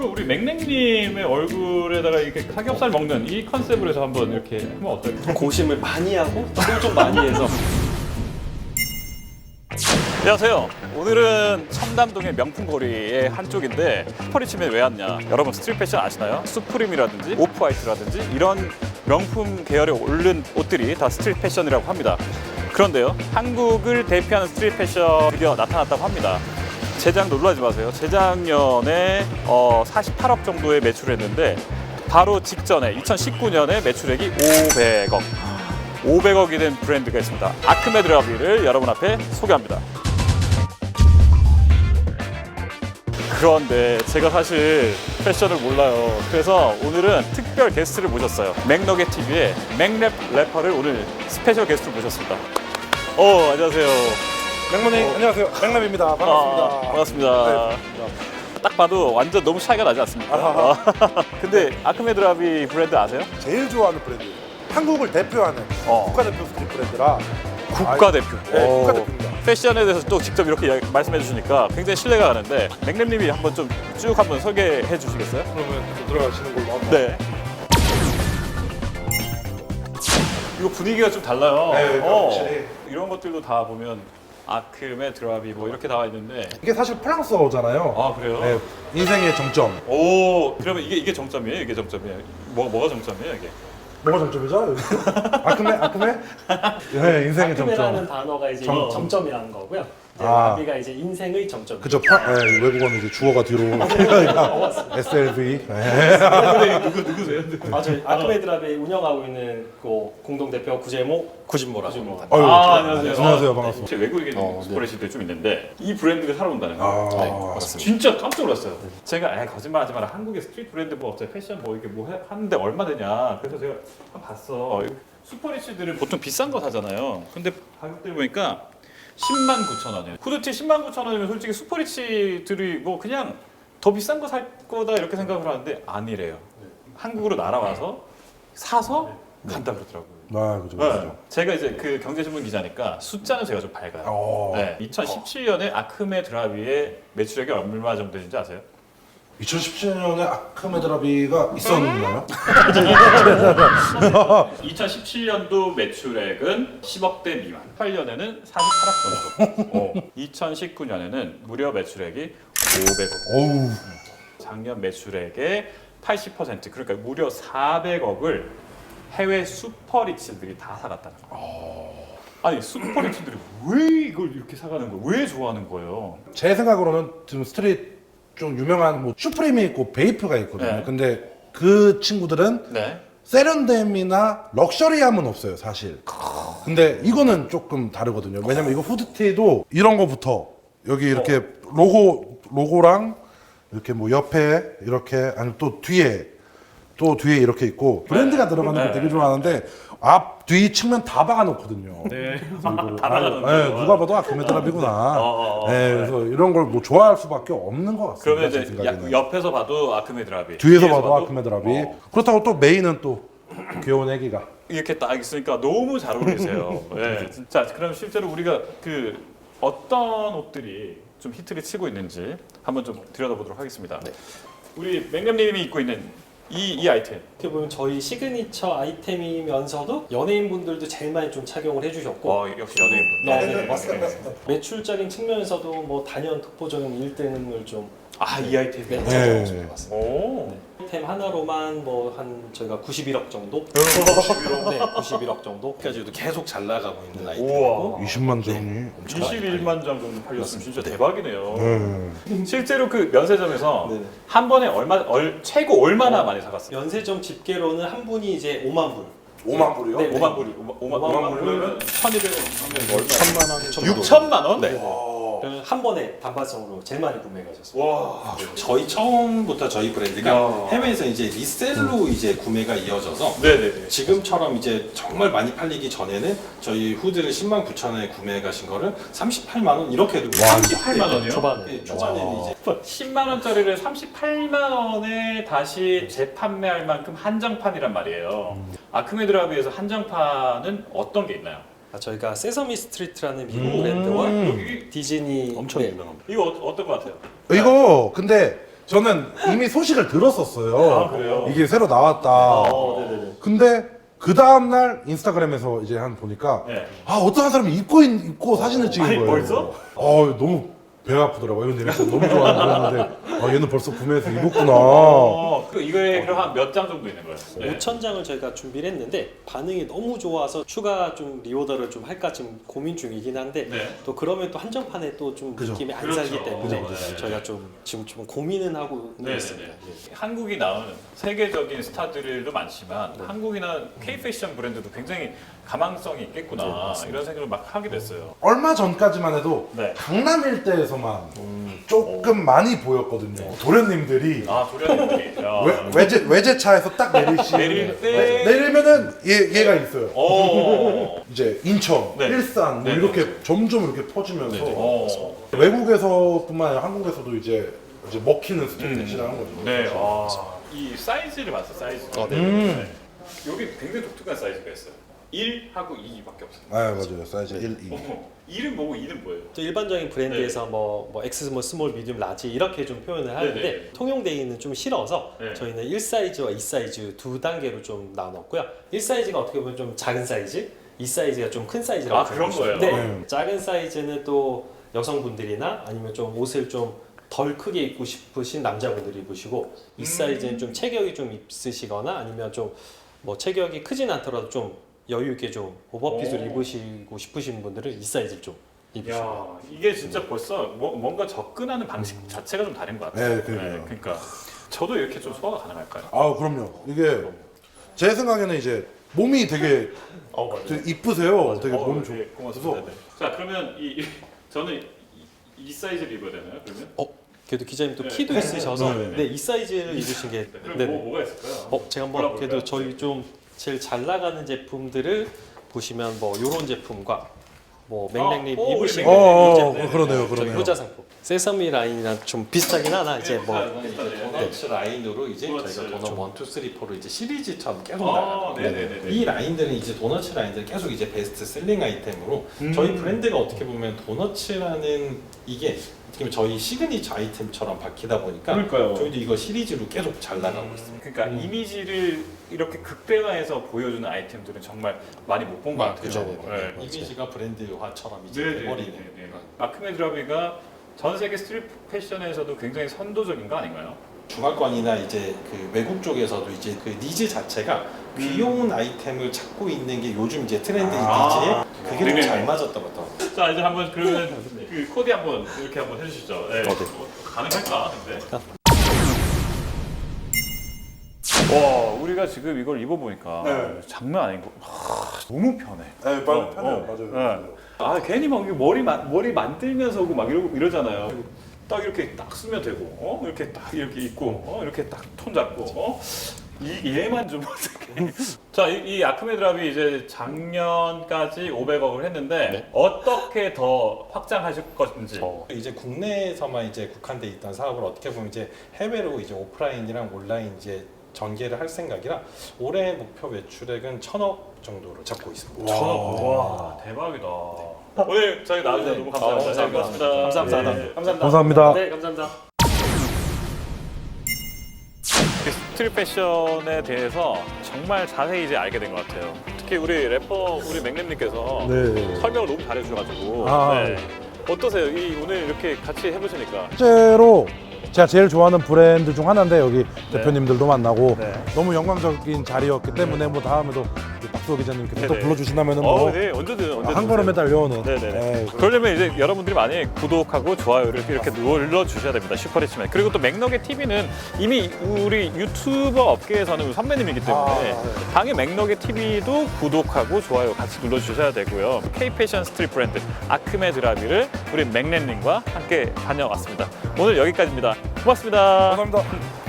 앞으로 우리 맥냉님의 얼굴에다가 이렇게 삼겹살 먹는 이 컨셉으로 해서 한번 이렇게 하면 어떨까요? 고심을 많이 하고 좀 많이 해서. 안녕하세요. 오늘은 청담동의 명품 거리의 한쪽인데 슈퍼리치면 왜 왔냐? 여러분 스트릿 패션 아시나요? 수프림이라든지 오프화이트라든지 이런 명품 계열에 오른 옷들이 다 스트릿 패션이라고 합니다. 그런데요, 한국을 대표하는 스트릿 패션 드디어 나타났다고 합니다. 재작 놀라지 마세요. 재작년에 48억 정도의 매출을 했는데 바로 직전에 2019년에 매출액이 500억이 된 브랜드가 있습니다. 아크메드 라비를 여러분 앞에 소개합니다. 그런데 제가 사실 패션을 몰라요. 그래서 오늘은 특별 게스트를 모셨어요. 맥너겟 TV의 맥랩 래퍼를 오늘 스페셜 게스트로 모셨습니다. 안녕하세요. 맥모님 안녕하세요. 맥랩입니다. 반갑습니다. 반갑습니다. 네. 딱 봐도 완전 너무 차이가 나지 않습니까? 근데 아크메드 라비 브랜드 아세요? 제일 좋아하는 브랜드예요. 한국을 대표하는 국가대표 스트릿 브랜드라. 국가대표. 네, 국가대표입니다. 패션에 대해서 또 직접 이렇게 말씀해 주시니까 굉장히 신뢰가 가는데 맥랩님이 한번 좀 쭉 한번 소개해 주시겠어요? 그러면 또 들어가시는 걸로 한번. 네. 이거 분위기가 좀 달라요. 네, 확실히. 이런 것들도 다 보면 아크메드 라비 뭐 이렇게 나와 있는데. 이게 사실 프랑스어잖아요. 아 그래요? 네, 인생의 정점. 오, 그러면 이게 정점이에요? 이게 정점이에요? 뭐가 정점이에요 이게? 뭐가 정점이죠? 아크메? 네, 인생의 아크메라는 정점. 단어가 이제 정- 정점이라는 거고요. 이제 아. 라비가 이제 인생의 정점. 그죠? 네, 외국어는 이제 주어가 뒤로. SLV. 네. 누구세요? 저희 아크메드 라비 운영하고 있는 그 공동 대표 구진모라고 합니다. 아유, 안녕하세요. 안녕하세요. 반갑습니다. 제 외국에 있는 슈퍼레시들 좀 있는데 이 브랜드가 살아온다는 거. 아, 네, 맞습니다. 진짜 깜짝 놀랐어요. 제가 거짓말하지 마라. 한국의 스트리트 브랜드 뭐 어차피 패션 뭐 이렇게 하는데 얼마 되냐. 그래서 제가 한번 봤어. 슈퍼리치들은 보통 비싼 거 사잖아요. 근데 가격들 보니까 109,000원이에요. 후드티 109,000원이면 솔직히 슈퍼리치들이 뭐 그냥 더 비싼 거 살 거다 이렇게 생각을 하는데 아니래요. 한국으로 날아와서 사서 간다 그러더라고요. 아, 그죠. 네. 제가 이제 그 경제신문 기자니까 숫자는 제가 좀 밝아요. 네. 2017년에 아크메 드라비의 매출액이 얼마 정도 되는지 아세요? 2017년에 아크메드라비가 있었나요? 2017년도 매출액은 10억대 미만, 8년에는 48억 정도. 2019년에는 무려 매출액이 500억. 어우. 작년 매출액의 80%, 그러니까 무려 400억을 해외 슈퍼리치들이 다 사갔다는 거예요. 아니 슈퍼리치들이 왜 이걸 이렇게 사가는 거예요? 왜 좋아하는 거예요? 제 생각으로는 지금 스트릿 좀 유명한 뭐 슈프림이 있고 베이프가 있거든요. 네. 근데 그 친구들은 네. 세련됨이나 럭셔리함은 없어요, 사실. 근데 이거는 조금 다르거든요. 왜냐면 이거 후드티도 이런 거부터 여기 이렇게 로고랑 이렇게 뭐 옆에 이렇게 아니면 또 뒤에 이렇게 있고 브랜드가 들어가는 거 네. 되게 좋아하는데 앞, 뒤 측면 다 박아놓거든요. 네. 다 박아놓는데요. 누가 봐도 아크메드라비구나. 네. 그래서 이런 걸 뭐 좋아할 수밖에 없는 것 같습니다. 그러면 제 이제 생각에는. 옆에서 봐도 아크메 드라비, 뒤에서 봐도 아크메드라비. 어. 그렇다고 또 메인은 또 귀여운 애기가. 이렇게 딱 있으니까 너무 잘 어울리세요. 네. 자, 그럼 실제로 우리가 그 어떤 옷들이 좀 히트를 치고 있는지 한번 좀 들여다보도록 하겠습니다. 우리 맥남님이 입고 있는 이 아이템. 어떻게 보면 저희 시그니처 아이템이면서도 연예인분들도 제일 많이 좀 착용을 해주셨고 역시 연예인분. 네, 맞습니다. 매출적인 측면에서도 뭐 단연 독보적인 1등을 좀 이 아이템이. 네, 네. 찾아온 것 같습니다. 오. 아이템 하나로만 뭐 한 저희가 91억 정도? 91억. 네, 91억 정도. 까지도 계속 잘 나가고 있는 아이템. 우와. 20만 정이. 21만 장 정도 팔렸으면 진짜 대박이네요. 네. 실제로 그 면세점에서 네. 한 번에 최고 얼마나 많이 사갔어요? 연세점 집계로는 한 분이 이제 5만 불. 5만 불이요? 네. 5만 불이 5만 불이면 1,200원 얼마? 3만 원. 6천만 원? 네. 한 번에 단발성으로 제일 많이 구매가 하셨습니다. 와. 저희 처음부터 저희 브랜드가 야. 해외에서 이제 리셀로 이제 구매가 이어져서 네네네. 지금처럼 이제 정말 많이 팔리기 전에는 저희 후드를 10만 9천 원에 구매해 가신 거를 38만 원 이렇게 들고 38만 원이요? 초반에. 네, 초반에는 이제 10만 원짜리를 38만 원에 다시 재판매할 만큼 한정판이란 말이에요. 아크메드라비에서 한정판은 어떤 게 있나요? 저희가 세서미 스트리트라는 미국 브랜드와 여기 디즈니 엄청 네, 유명합니다. 이거 어떨 것 같아요? 이거 근데 저는 이미 소식을 들었었어요. 아, 그래요? 이게 새로 나왔다. 네네네. 근데 그 다음 날 인스타그램에서 이제 한 보니까 네. 어떤 한 사람이 입고 사진을 찍은 아니, 거예요. 벌써? 너무 배가 아프더라고요. 근데 내가 너무 좋아하는 거였는데 얘는 벌써 구매해서 입었구나. 이거에 그럼 한 몇 장 정도 있는 거예요? 네. 5,000장을 저희가 준비를 했는데 반응이 너무 좋아서 추가 좀 리오더를 좀 할까 지금 고민 중이긴 한데 네. 또 그러면 또 한정판에 또 좀 그죠. 느낌이 안 그렇죠. 살기 때문에 그죠. 저희가 좀 지금 좀 고민은 하고 네, 있습니다. 네, 네. 한국이 나오는 세계적인 스타들도 많지만 한국이나 K 패션 브랜드도 굉장히 가망성이 있겠구나 이런 생각을 막 하게 됐어요. 얼마 전까지만 해도 네. 강남 일대에서만 조금 많이 보였거든요. 도련님들이 아 도련님들이. 외제차에서 딱 내릴 때- 내리면은 얘가 있어요. 오. 이제 인천, 네. 일산 뭐 네, 이렇게 점점 이렇게 퍼지면서 어. 외국에서뿐만 아니라 한국에서도 이제 먹히는 스트릿 패션이라는 거죠. 네. 아. 이 사이즈를 봤어 사이즈. 네. 네. 여기 굉장히 독특한 사이즈가 있어요. 1하고 2밖에 없어요. 맞아요. 사이즈 1, 2. 1은 뭐고 2는 뭐예요? 또 일반적인 브랜드에서 뭐 X, 뭐 스몰, 미디움, 라지 이렇게 좀 표현을 하는데 네네. 통용되기는 좀 싫어서 네. 저희는 1사이즈와 2사이즈 두 단계로 좀 나눴고요. 1사이즈가 어떻게 보면 좀 작은 사이즈, 2사이즈가 좀 큰 사이즈라고 아, 그런 보시면 거예요? 네. 네. 작은 사이즈는 또 여성분들이나 아니면 좀 옷을 좀 덜 크게 입고 싶으신 남자분들이 입으시고 이 사이즈는 좀 체격이 좀 있으시거나 아니면 좀 뭐 체격이 크진 않더라도 좀 여유 있게 좀 오버핏을 오. 입으시고 싶으신 분들은 이 사이즈를 좀 입으시면 야 이게 진짜 벌써 뭔가 접근하는 방식 자체가 좀 다른 것 같아요. 네, 그러게요. 그러니까 저도 이렇게 좀 소화가 가능할까요? 그럼요. 이게 제 생각에는 이제 몸이 되게 맞아요. 되게 이쁘세요. 되게 몸 좋고. 네, 고맙습니다. 네. 자 그러면 저는 이 사이즈를 입어야 되나요? 그러면? 그래도 기자님 또 네. 키도 있으셔서 네. 네, 이 사이즈를 입으신 게 그럼 네. 뭐가 있을까요? 제가 한번 골라볼까요? 그래도 저희 좀 제일 잘 나가는 제품들을 보시면 뭐 요런 제품과 뭐 맥락립 우리 입으신 맥락립. 거 그러네요. 저희 그러네요. 효자 상품 세서미 라인이랑 좀 비슷하긴 하나 이제 뭐 도너츠 라인으로 이제 도너츠. 저희가 도너 1, 2, 3, 4로 이제 시리즈처럼 계속 아, 나가거든요. 네네네. 이 라인들은 이제 도너츠 라인들 계속 이제 베스트 셀링 아이템으로 저희 브랜드가 어떻게 보면 도너츠라는 이게 어떻게 보면 저희 시그니처 아이템처럼 바뀌다 보니까 그러니까요. 저희도 이거 시리즈로 계속 잘 나가고 있습니다. 그러니까 이미지를 이렇게 극대화해서 보여주는 아이템들은 정말 많이 못 본 것 같아요. 그죠. 네. 이미지가 브랜드화처럼 이제 네네네. 돼버리는. 아크메 드라비가 전 세계 스트릿 패션에서도 굉장히 선도적인 거 아닌가요? 중화권이나 이제 그 외국 쪽에서도 이제 그 니즈 자체가 귀여운 아이템을 찾고 있는 게 요즘 이제 트렌드 아. 니즈에 그게 좀 네네네. 잘 맞았던 것 같아요. 자 이제 한번 그러면 그 코디 한번 이렇게 한번 해주시죠. 네. 가능할까 근데? 와 우리가 지금 이걸 입어보니까 장난 아닌 거. 너무 편해. 네, 편해요. 맞아요. 아 괜히 막 이게 머리 만들면서 오고 막 이러잖아요. 딱 이렇게 딱 쓰면 되고, 이렇게 딱 이렇게 입고, 이렇게 딱 톤 잡고, 얘만 좀 어떻게? 자, 이 아크메 드랍이 이제 작년까지 500억을 했는데 어떻게 더 확장하실 것인지. 이제 국내에서만 이제 국한돼 있던 사업을 어떻게 보면 이제 해외로 이제 오프라인이랑 온라인 이제 전개를 할 생각이라 올해 목표 매출액은 1,000억 정도로 잡고 있습니다. 와 대박이다. 오늘 저희 나와주셔서 너무 감사합니다. 잘 고맙습니다. 감사합니다. 네, 감사합니다. 감사합니다. 네, 감사합니다. 스트릿 패션에 대해서 정말 자세히 이제 알게 된 것 같아요. 특히 우리 래퍼 우리 맥램님께서 네. 설명을 너무 잘해주셔가지고 아. 어떠세요? 오늘 이렇게 같이 해보시니까 실제로 제가 제일 좋아하는 브랜드 중 하나인데 여기 대표님들도 만나고 네. 너무 영광적인 자리였기 때문에 뭐 다음에도 박수호 기자님께서 또 네네. 불러주신다면 뭐 네, 언제든 한 걸음에 달려오는 네네네. 네, 그러려면 이제 여러분들이 많이 구독하고 좋아요를 이렇게 눌러 주셔야 됩니다. 슈퍼리치맨. 그리고 또 맥너겟 TV는 이미 우리 유튜버 업계에서는 선배님이기 때문에 당연히 맥너겟 TV도 구독하고 좋아요 같이 눌러 주셔야 되고요. K 패션 스트릿 브랜드 아크메 드라비를 우리 맥렌님과 함께 다녀왔습니다. 오늘 여기까지입니다. 고맙습니다. 감사합니다.